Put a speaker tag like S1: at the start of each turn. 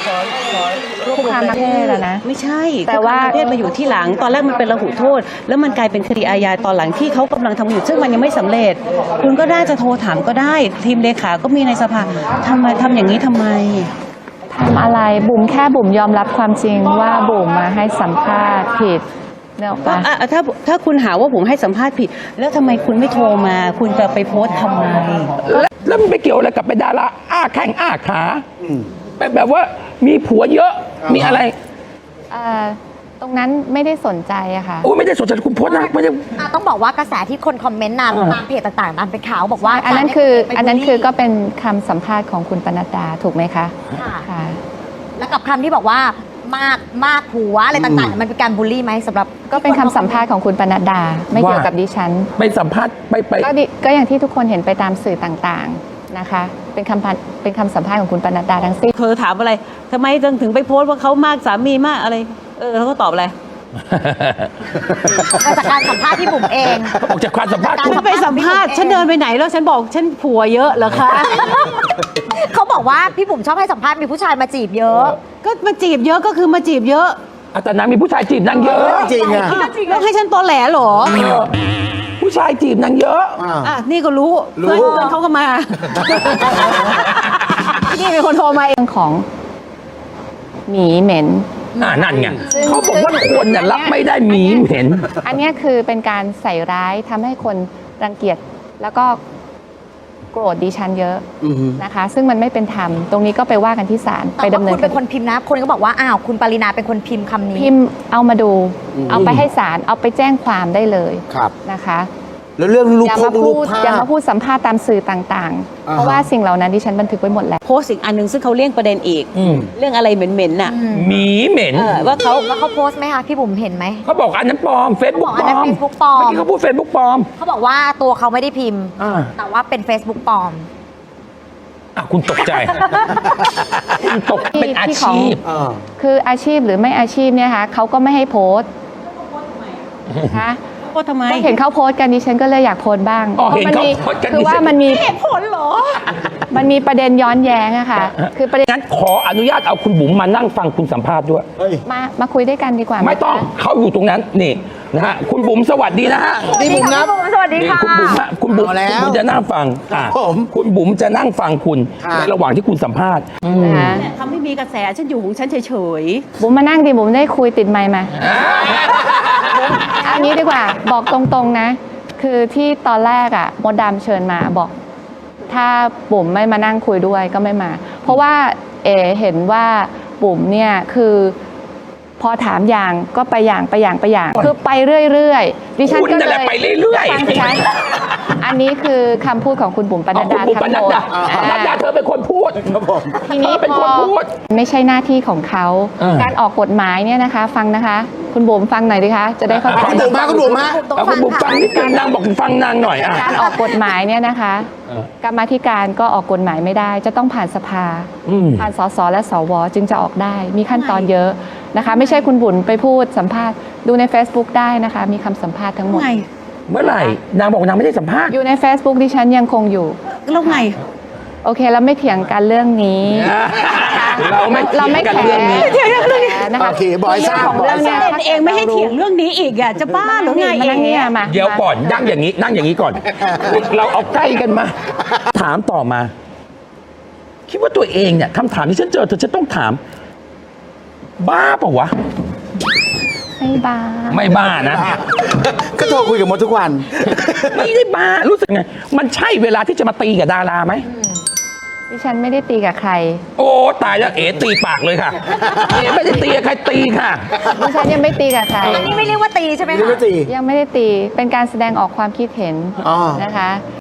S1: คุกคามทางเพศอะนะ
S2: ไม่ใช่
S1: แต่ว่า
S2: คุกคมทางเพศมาอยู่ที่หลัง ตอนแรกมันเป็นระหุโทษ แล้วมันกลายเป็นคดีอาญาตอนหลังที่เขากำลังทำอยู่ซึ่งมันยังไม่สำเร็จ คุณก็น่าจะโทรถามก็ได้ ทีมเลขาก็มีในสภาทำอย่างนี้ทำไม
S1: ทำอะไรบุ๋มแค่บุ๋มยอมรับความจริงว่าบุ๋มมาให้สัมภาษณ์ผิดเนี่ยปะ
S2: ถ้าคุณหาว่าผมให้สัมภาษณ์ผิด แล้วทำไมคุณไม่โทรมา คุณจะไปโพสต์ทำไม
S3: แล้วมันไปเกี่ยวอะไรกับเป็นดาราอ้าแข้งอ้าขาเป็นแบบว่ามีผัวเยอะมีอะไร
S1: ตรงนั้นไม่ได้สนใจอะค่ะ
S3: โอ้ไม่ได้สนใจคุณโพสต์นะไม่ได้
S4: ต้องบอกว่ากระแสที่คนคอมเมนต์ตามเพจต่างๆตามเป็นข่าวบอกว่า
S1: อันนั้นคือก็เป็นคำสัมภาษณ์ของคุณปนัดดาถูกไหมคะ
S4: ค่ะแล้วกับคำที่บอกว่ามากผัวอะไรต่างๆมันเป็นการบูลลี่ไหมสำหรับ
S1: ก็เป็นคำสัมภาษณ์ของคุณปนัดดาไม่เกี่ยวกับดิฉัน
S3: ไปสัมภาษณ์ไป
S1: ก็อย่างที่ทุกคนเห็นไปตามสื่อต่างๆนะคะเป็นคำสัมภาษณ์ของคุณปนัดดาทั้งสิ้น
S2: เธอถามอะไรทำไมถึงไปโพสต์ว่าเขามากสามีมากอะไร เขาก็ตอบอะไร
S4: มาจากการสัมภาษณ์ที่บุ๋มเอง
S3: ออกจากความสัมภาษณ์
S2: ฉันไปสัมภาษณ์ฉันเดินไปไหนแล้วฉันบอกฉันผัวเยอะเหรอคะ
S4: เขาบอกว่าพี่บุ๋มชอบให้สัมภาษณ์มีผู้ชายมาจีบเยอะ
S2: ก็มาจีบเยอะก็คือมาจีบเยอะ
S3: แต่นางมีผู้ชายจีบนางเยอะ
S5: จริงอ่ะ
S2: แล้วให้ฉันตอแหลเหรอ
S3: ผู้ชายจีบนางเยอะ
S2: นี่ก็รู้เพื่อนเขาก็มา นี่เป็นคนโทรมาเอง
S1: เรื่องของหมีเหม็น
S3: นั่นไงเขาบอกว่าคนน่ะรับไม่ได้หมีเหม็น
S1: อันเนี้ยคือเป็นการใส่ร้ายทำให้คนรังเกียจแล้วก็โกรธดิฉันเยอะนะคะ ซึ่งมันไม่เป็นธรรมตรงนี้ก็ไปว่ากันที่ศาลไปดำเนิน
S4: คุณเป็นคนพิมพ์นะ คนก็บอกว่าอ้าวคุณปรินาเป็นคนพิมพ์คำนี้
S1: พิมพ์เอามาดู เอาไปให้ศาลเอาไปแจ้งความได้เลย
S5: ครับ
S1: นะคะ
S5: แล้วเรื่องรูป
S1: อย่า
S5: พ
S1: มาง
S5: รู
S1: พู
S5: ป
S1: ด
S5: ภา
S1: อย่า
S5: พ
S1: มาพูดสัมภาษณ์ตามสื่อต่างๆ เพราะว่าสิ่งเหล่านั้นดิฉันบันทึกไว้หมดแล้ว
S2: โพสต์อีกอันหนึ่งซึ่งเขาเลี่ยงประเด็นอีก เรื่องอะไรเหม็นๆน่ะ
S3: หมีเหม็น
S2: ว่าเขา
S4: แล้วเขาโพสต์ไหมคะพี่บุ๋มเห็นไหม
S3: เขาบอกอันนั้นปลอมเฟซบุ๊ก
S4: เขาบอกอั
S3: ปล
S4: นนั้
S3: อน ม
S4: Facebook ปลอม
S3: เมื่อกี้เขาพูดเฟซบุ๊กปลอม
S4: เขาบอกว่าตัวเขาไม่ได้พิมพ์ แต่ว่าเป็น Facebook ปลอม
S3: คุณตกใจ คุณตกเป็นอาชีพ
S1: คืออาชีพหรือไม่อาชีพเนี่ยคะเขาก็ไม่ให้โพสต์นะคะ
S2: โพสต์ทำไม
S1: ก็เห็นเขาโพสต์กันดิฉันก็เลยอยากโพสต์บ้าง
S3: อ๋อเห็นเขา
S1: มี
S3: โพสต์กัน
S1: คือว่ามันมี
S2: เหตุผลเหรอ
S1: มันมีประเด็นย้อนแย้งอะค่ะ คือประเด็น
S3: งั้นขออนุญาตเอาคุณบุ๋มมานั่งฟังคุณสัมภาษณ์ด้วย
S1: มาคุยด้วยกันดีกว่า
S3: ไม่ต้องเขาอยู่ตรงนั้นนี่นะฮะคุณบุ๋มสวัสดีนะฮะ
S5: นี่บุ๋มครับ
S4: สวัสดี
S3: นี่
S4: ค่ะ
S3: คุณบุ๋มฮะคุณบุ๋ม
S5: เอาแล้ว
S3: คุณจะนั่งฟัง
S5: ครับผม
S3: คุณบุ๋มจะนั่งฟังคุณ
S5: ครับ
S3: ในระหว่างที่คุณสัมภาษณ์
S1: นะคะ
S2: ทำให้มีกระแสฉันอยู่ของฉันเฉย
S1: บุ๋มมานั่งดิบุ๋มได้คุยติดไมค์มาอันนี้ดีกว่าบอกตรงๆนะ คือที่ตอนแรกอะมดดำเชิญมาบอก ถ้าบุ๋มไม่มานั่งคุยด้วยก็ไม่มา เพราะว่าเห็นว่าบุ๋มเนี่ยคือพอถามอย่างก็ไปอย่างคือไปเรื่อยๆดิฉัน
S3: คุณ
S1: ก็
S3: นั่น
S1: เล
S3: แหละ
S1: ย
S3: ไปเรื่อยๆ
S1: ฟังสิคะอันนี้คือคำพูดของคุณบุ๋มปนัดดา
S3: คุณบุ๋ม
S1: ทั้
S3: ป
S1: ง
S3: นั
S1: ห
S3: ด
S1: มด
S3: ดาปนัดดาเธอเป็นคนพูด
S1: ทีนี้
S3: เธอเป็น
S1: พ
S3: คน
S1: อ
S3: พูด
S1: ไม่ใช่หน้าที่ของเขา การออกกฎหมายเนี่ยนะคะ ฟังนะคะ คุณบุ๋มฟังหน่อยดิคะ จะได้เข้าใจ
S5: คุณบุ๋มมาคุณบุ๋มมา
S4: ต้อง
S3: เอา
S4: ฟั
S3: คุณ
S4: ง
S3: บุ๋มฟั
S4: ค่ะ
S3: งนิดนึงนางบอกฟังนางหน่อยอ่ะ
S1: การออกกฎหมายเนี่ยนะคะ กรรมาธิการก็ออกกฎหมายไม่ได้ จะต้องผ่านสภา ผ่านสสและสวจึงจะออกได้ มีขั้นตอนเยอะนะคะ ไม่ใช่คุณบุ๋มไปพูดสัมภาษณ์ดูใน Facebook ได้นะคะ มีคำสัมภาษณ์ทั้งหมด
S2: ไง
S3: เมื่อไหร่นางบอกนางไม่ได้สัมภาษณ์
S1: อยู่ใน Facebook ดิฉันยังคงอยู่
S2: แล้วไง
S1: โอเคแล้วไม่เถียงกันเรื่องนี้
S3: เราไม่
S1: เราไม่
S3: กัน
S1: แค
S3: เรื่อง
S1: ร์
S3: นี้
S1: นะคะ
S5: โอเคบอยทราบ
S1: ของเรื่องเนี้ย
S2: เป็นเองไม่ให้เถียงเรื่องนี้อีกอ่ะ จะบ้าหรือไง
S1: มานั่งเนี่ยมา
S3: เดี๋ยวก่อนนั่งอย่างนี้นั่งอย่างนี้ก่อน เราเอาใกล้กันมา ถามต่อมา คิดว่าตัวเองเนี่ยคำถามที่ฉันเจอเธอจะต้องถาม บ้าเปล่าวะ
S1: ไม่บ้า
S3: ไม่บ้านะ
S5: ก็โทรคุยกับมดทุกวัน
S3: ไม่ได้บ้ารู้สึกไง มันใช่เวลาที่จะมาตีกับดาราไหม
S1: ดิฉันไม่ได้ตีกับใคร
S3: โอ้ตายแล้วเอ๋ตีปากเลยค่ะเอ๋ไม่ได้ตีกับใครตีค่ะ
S1: ดิฉันยังไม่ตีกับใคร
S4: อันนี้ไม่เรียกว่าตีใช่ไหม
S5: นี่
S4: คะ
S5: ก็ตี
S1: ยังไม่ได้ตี เป็นการแสดงออกความคิดเห็น
S5: อ๋อ
S1: นะคะ